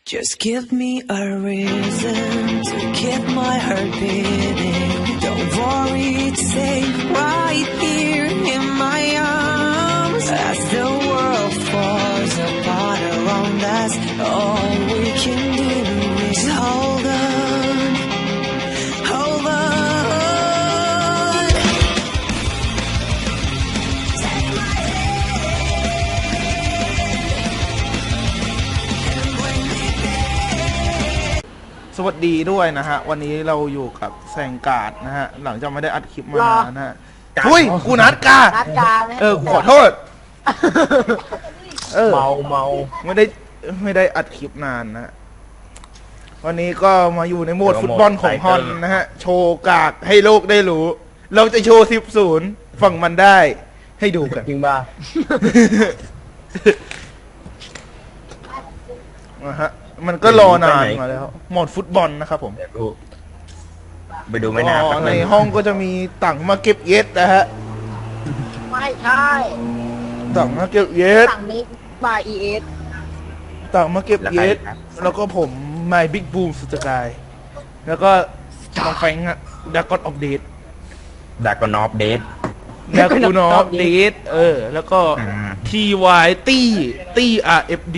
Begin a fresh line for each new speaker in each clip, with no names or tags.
Just give me a reason to keep my heart beating. Don't worry, it's safe right here in my arms. As the world falls apart around us, all we can do is hold on, hold on. Take my hand and bring me back.
สวัสดีด้วยนะฮะวันนี้เราอยู่กับแซงการ์ดนะฮะหลังจากไม่ได้อัดคลิปมานานนะฮะทุยกูนัดกาขอโทษเมาไม่ได้อัดคลิปนานนะวันนี้ก็มาอยู่ในโหมดฟุตบอลของฮอนนะฮะโชว์กากให้โลกได้รู้เราจะโชว์10-0ฝั่งมันได้ให้ดูกัน
จริงป่ะ
นะฮะมันก็รอนานมาแล้วโหมดฟุตบอลนะครับผม
ไปดูไม่นาน
ในห้องก็จะมีต่างมาเก็บเย็ดนะฮะ
ไม่ใช่
ต่างมาเก็บเย็ด
สั่งนี้บาย ES
ต่างมาเก็บเย็ดแล้วก็ผมไมค์บิ๊กบูมสุดกายแล้วก็น้องแฟงอะดากอนออฟเดท
ดากอนอฟเดท
แล้วก็ TY ตี้ RFD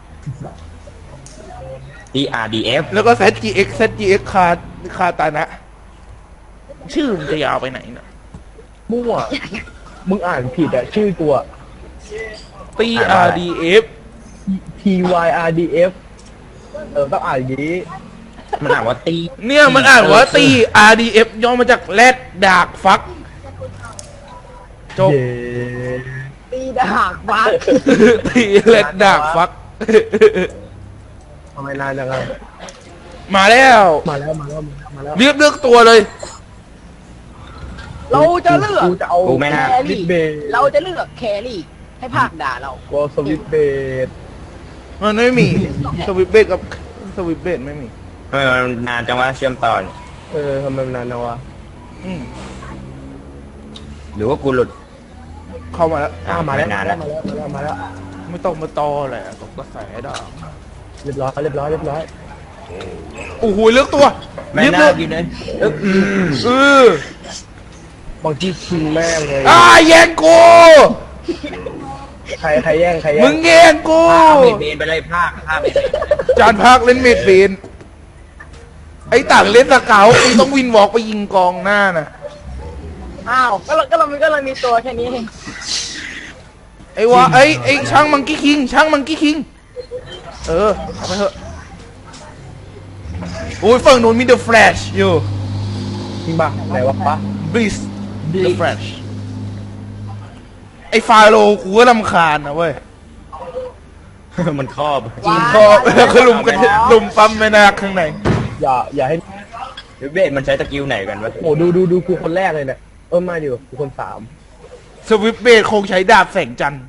RDF
แล้วก็ ZGX คาตานะชื่อมันจะยาวไปไหนน่ะ
มั่วมึงอ่านผิดอะชื่อตัว
ตี้ RDF
TYRDF ต้องอ่านอย่างนี้มันอ่านว่าตี
เนี่ยมันอ่านว่าตี RDF ย่อมาจากแรดดากฟักจบ
ตีดากฟัก
ตีแรดดากฟัก
ทำไมนานจังเลย
มาแล้วเลือกตัวเลย
เราจะเลือก
แค
รี่เราจะเลือกแครี่ให้ภาคด่าเรา
ก็สวิตเบด
มันไม่มีสวิตเบดกับสวิตเบดไม่มี
นานจังวะเชื่อมต่อทำไมนานจังวะหรือว่ากูหลุด
เข้ามาแล้ว
มาแล้ว
ไม่ต้องมาตอแหละตกกระแสดอก
เรียบร้อย
โอ้โหเลือกตัว
แม่น่ากินเลยบางทีชิงแม่เลย
แย่งกู
ใครแย่ง
มึงแย่งกู
เบนไปเลยภาคไป
จานภาคเล่นเมดเบนไอ้ต่างเล่นตะเก๋าไอ้ต้องวินวอล์กไปยิงกองหน้าน่ะ
ก็เรามีตัวแค่นี้เอง
ไอ้ช่างมังกี้คิงเอาไปเถอะโอ้ยฝั่งนู้นมีเดอะแฟลชอยู่
จริงป่ะไหนวะปะ
บิสเดอะแฟลชไอ้ฟาโลกูก็รำคาญนะเว้ย
มันครอบ
แล้วก็ลุมปั๊มแม่นาคข้างใน
อย่าให้เบสมันใช้ตะกิ้วไหนกันวะโอ้ดูกูคนแรกเลยเนี่ยมาอยู่กูคน3
สวิปเบสคงใช้ดาบแสงจันทร์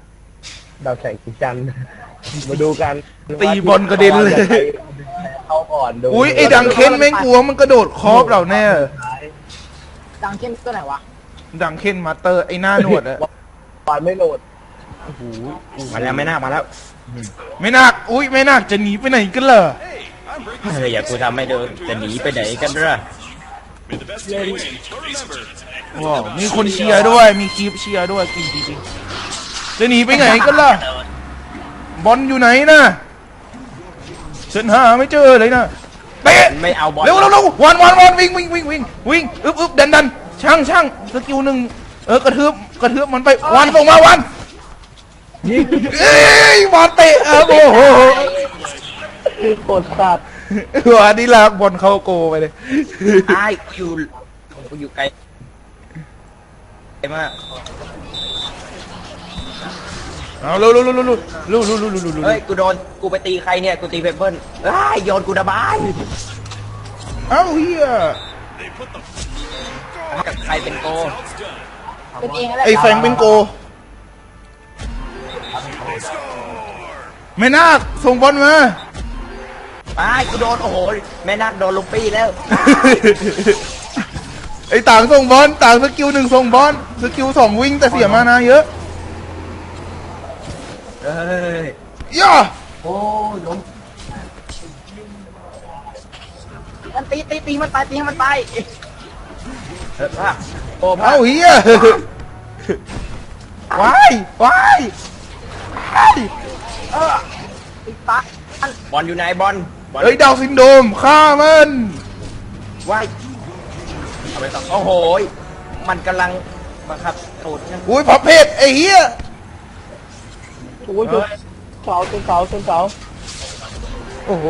มาดูกัน
ตีบอลกระเด็นเลย
เข้าก่อนดู
อุ้ยไอ้ดังเค้นแม่งกลัวมันกระโดดครอบเราแน่
ดังเค้นตัวไหนวะ
ดังเค้นมาเตอร์ไอ้หน้าหนวดอะ
บอลไม่โหลดโอ้โหมาแล้วไม่น่า
อุ้ยไม่น่าจะหนีไปไหนกันเหรอ
อย่ากูทำไม่เดินจะหนีไปไหนกันล่ะ
ว้าวมีคนเชียร์ด้วยมีคลิปเชียร์ด้วยจริงจะหนีไปไหนกันล่ะบอลอยู่ไหนนะฉันหาไม่เจอเลยนะเตะ
ไม่เอาบอล
เร็ววันวิ่งอึบดันช่างสกิลหนึ่งกระทืบมันไปวันส่งมาวันยิงบอลเตะโอ้โห
โคตรสัตว์
วันนี้ลากบอลเข้าโกไปเลย
กูอยู่ไกลมาก
เอาเร็ว
เฮ้ยกูไปตีใครเนี่ยกูตีเปเปิ้ลโยนกูระบาย
เฮีย
กับใครเป็นโก
เป็นเอง
ไอ้แฟงเป็นโกแม่นาคส่งบอลมา
กูโดนโอ้โหแม่นาคโดนลุงปี้แล้ว
ไอ้ต่างส่งบอลต่างสกิล1ส่งบอลสกิล2วิ่งแต่เสียมานาเยอะย่า
โอ้ล้ม
มันตีมันตายตีให้มันตาย
ภาคโอ้ภา
เอ้า
ค
เฮียว้ายว้ายว้าย
ตีตาย
บอลอยู่ไหนบอล
เฮ้ยดาวซินโดรมฆ่ามัน
ว่ายเอาไปต่อโอ้โหมันกำลังบังคับตูดนะ
อุ้ยพับเพชรไอ้เฮีย
โอ้ยเสาเสาเสา
โอ้โห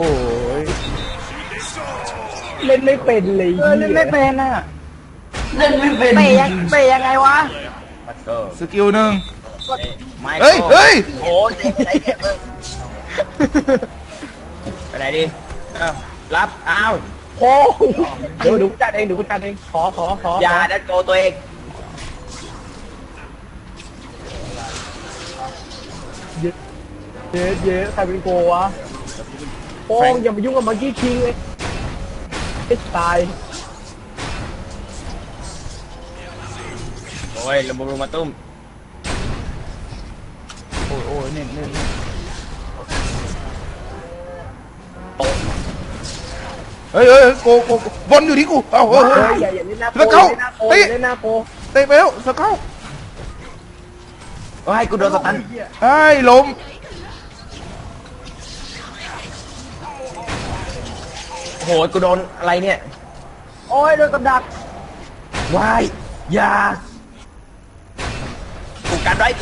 เล่นไม่เป็นเลย
เล่นไม่เป็นอ่ะเล่นไม่เป็นเตะยังไงวะ
สกิลหนึ่ง
ไม่
เฮ้ยเฮ้ย
โอ้ยไปไหนดีรับอ้าวโอ้เดี๋ยวดูจัดเองดูจัดเองขออย่าดันโกตัวเองเยอะใครเป็นโกวะโป้งอย่ามายุ่งกับมังกี้คิงเลยตายโอ้ยลำบุรุมาตุ้ม
โอ้ยเน่นเฮ้ยโกบอลอยู่ที่กูเอ้าเฮ้ย
อย่าเล่นหน้าโก
แล้วเขา
เล่นหน้าโก
เตะไปแล้วสเก้า
โอ้ยกูโดนสตัน
ไอ้ล้ม
โอ้โหกูโดนอะไรเนี่ย
โอ้ยโดนกับดัก
วายอย่ากูกันไว้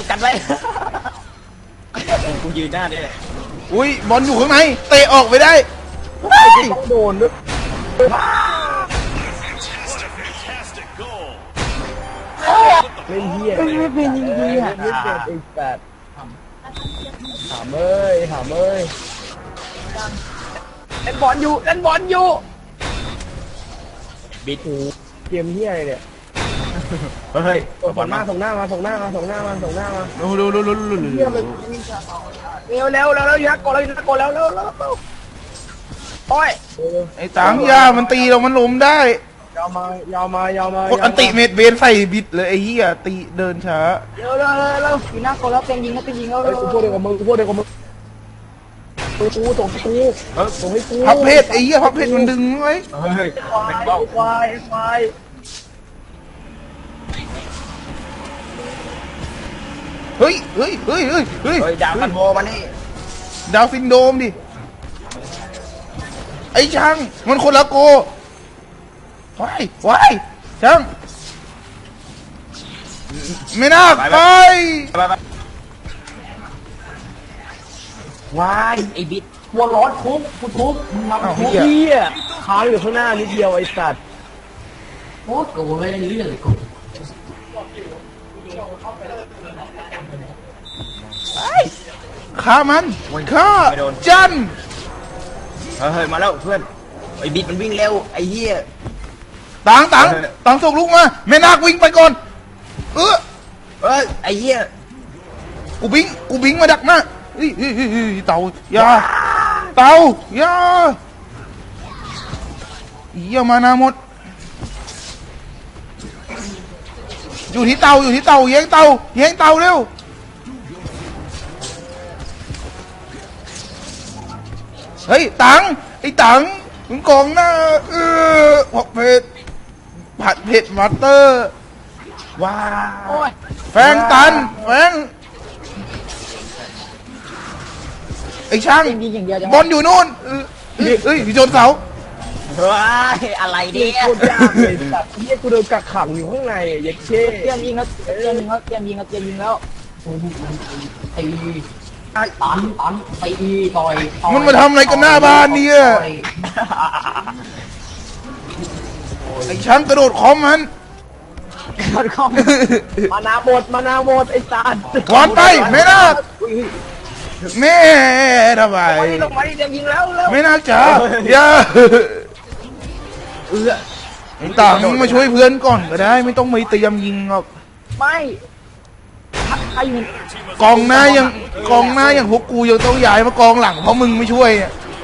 กูยืนหน้าได้เลย
อุ้ยบอลอยู่ข้างในเตะออกไปได้
ต้องโดนด้วยเล่นเฮียไม่เป็นจริงๆอ่ะไม่เป็นไอ้แปดถามเอ้ย
เล่นบอลอยู่
บิดหูเกมเฮียอะไรเนี่ยเฮ้ยส่งหน้ามา
ดู
เร็วยักษ์กดแล้วยักษ์กดแล้วโอ้ย
ไอ้ตังยามันตีเรามันล้มได้
ยาวมาก
ดอันติเมดเวนใส่บิดเลยไอ้เหี้ยตีเดินช้า
เร็วอยู่หน้ากดแล้วเตียงยิงแล้ว
เฮ้ยกูพูดเดียวกับมึงกูส่งให้กู
พับเพชรไอ้เหี้ยพับเพชรมันดึงไว้
เฮ้ย
ควาย
เฮ้ย
เฮ้ยดาวกันโบมานี่
ดาวซินโดรมดิไอ้ช่างมันคนละโกว้ายช่างไม่น่าไป
วายไอ้บิด
หัวร้อนทุบมึงมา
เอ้า
ทุบ
เหี้ย
เฮียค้างอยู่ข้างหน้านิดเดียวไอ้สัตว์
โอ้กูไม่ได้เรื่องกู
ฆ่ามันฆ่าจัน
เฮ้ยมาแล้วเพื่อนไอ้บิดมันวิ่งเร็วไอ้เฮีย
ตังส่งลูกมาแม่นาควิ่งไปก่อนเออ
เอ้ยไอ้เฮีย
กูบิงมาดักหน้าเฮ้ยเต่าอย่าอย่าเยี่ยมานาหมดอยู่ที่เต่าแย่งเต่าเร็วเฮ้ยไอ้ตังมึงกองหน้าผัดเผ็ดมาสเตอร์ว้า
โอ้ย
แฟงไอ้ช่าง
เตียงยิงอย่างเดียวจัง
บอลอยู่นู่นเอ้ยชนเสา
ว้ายอะไรเนี่ย
โคตรยากเลย
สัตว์เฮียกูโดนกักขังอยู่ข้างในเย็ดเช่
เตียงยิงแล้วตี
ตันตีต่อย
มันมาทำอะไรกันหน้าบ้านเนี่ยไอ้ช่างกระโดดคอมมัน
มานาหมดไอ้สัตว์
วานไปแม่นาคแม่ทำไม
ลงมาดิเตียงยิงแล้ว
แม่นาคจ๋าอย่าไอ้ตังมาช่วยเพื่อนก่อนก็ได้ไม่ต้องไปเตรียมยิงหรอก
ไม่ใครอยู่
กองหน้าอย่างพวกกูยังต้องย้ายมากองหลังเพราะมึงไม่ช่วยอะ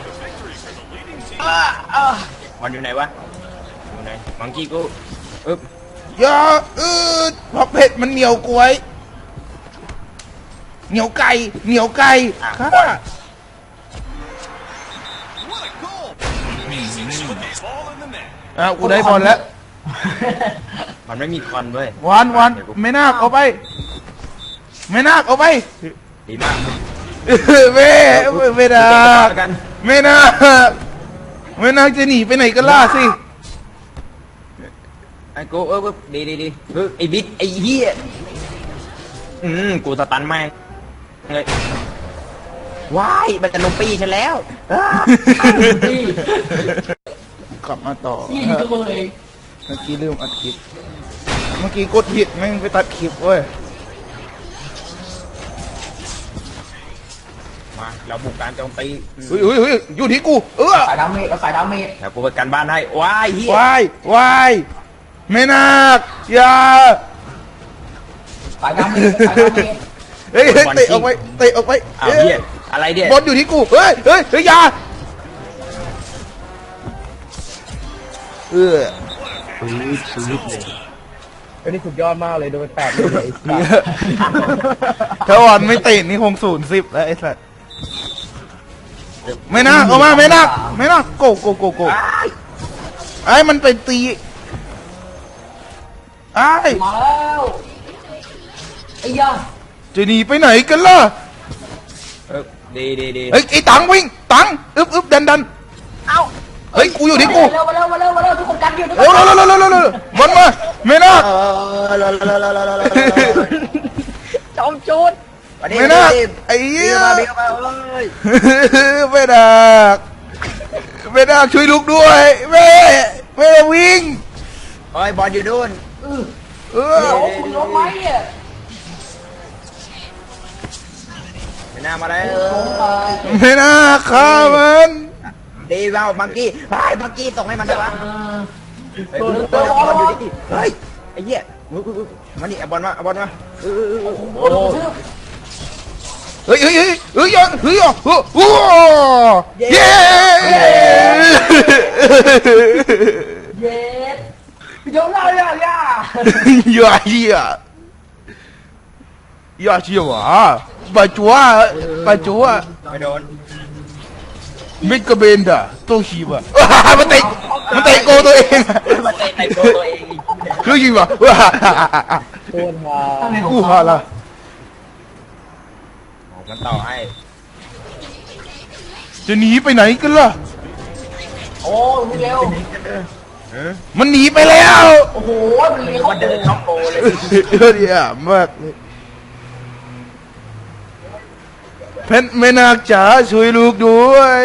มันอยู่ไหนวะอยู่ไหนมังกี้กูอึ๊บ
อย่าเพราะเผ็ดมันเหนียวกล้วยเหนียวไก่ค่ะกูได้บอลแล้ว
มันไม่มีคอนเว้ย
วันไม่น่าเอาไป ไม่น่าเอาไป
ดีมาก
ไม่น่า
กัน
ไม่น่าจะหนีไปไหนกันล่ะสิ
ไอ้กูดีไอ้บิ๊กไอ้เหี้ยกูสตันแม่งเลยว้ายมันจะลงปีฉันแล้วพี่
กลับมาต่อ
นี่ก็เลย
เมื่อกี้ลืมอัดคลิป เมื่อกี้กดผิดแม่งไปตัดคลิปเว้ย
มาเราบุกการโจมตี
เฮ้ยอยู่ที่กู
สายดาเมจเอาสายดาเมจ
แล้วกูไปกันบ้านให้ว้ายเหี้ยว
ายไม่น่าอย่า
สายดาเมจสายดาเมจ
เฮ้ยเตะออกไป
อ้าวเหี้ยอะไรเนี่ย
บอลอยู่ที่กูเฮ้ยอย่า
ปื๊ดเลย
อันนี้สุดยอดมากเลยโดนแปดเลยไอ้สัส
ถ้าวันไม่เตะนี่คง0-10แล้วไอ้สัสไม่น่าเอามาไม่น่าโกไอ้มันไปตีไอ้
มาแล้วไอ้ยา
จะหนีไปไหนกันล่ะ
ดี
เฮ้ยไอ้ตังวิ่งตังอึบดัน
เอ้า
เฮ้ยกูอยู่ที่กู
มาเร็วทุกคนกันอยู่ทุกค
เร็วน บอลมาไม่น่า
จอมจูด
ไม่น่าไอ้เหี้ย
บิ๊กมาเอ้ย
ไม่น่าช่วยลูกด้วยแม่วิ่ง
เฮ้ยบอลอยู่นู่น
เออ
โอ้คุณล้มไหมอ่ะ
ไม่น่ามาแล้ว
ล้มไป
ไม่น่าฆ่ามัน
ดีเปล่าบังกี้บังกี้ส่งให้มันได้ปะบอลอยู่ที่เฮ้ยไอ้เหี้ยมานี่เอาบอลมา
โอ้โห
เฮ้ยเย้
เย็ดเดี๋ยวเราอย่า
อย่าเชี่ยวปะจัว
ไม่โดน
มิกเบนดาโตชิบะมันเตะโกตัวเอง
มาเตะในตัวเอง
คือยิงวะ
โคตรฮา
กูฮาละ
มันต่อให้
จะหนีไปไหนกันล่ะ
โอ้ยเร็ว
มันหนีไปแล้ว
โอ้โหมันเลี้ยง
มันเดินเข้าโกเลย
เดี๋ยวมากเลยเพชรแม่นาคจ๋าช่วยลูกด้วย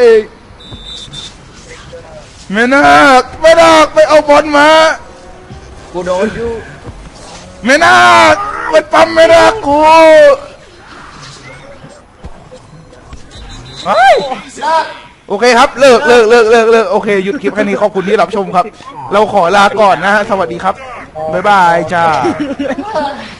แม่นาคไปเอาบอลมา
กูโดนอยู่
แม่นาคมันปั๊มแม่นาคกูโอเคครับเลิกโอเคหยุดคลิปแค่นี้ขอบคุณที่รับชมครับ เราขอลาก่อนนะฮะสวัสดีครับบ๊ายบายจ้า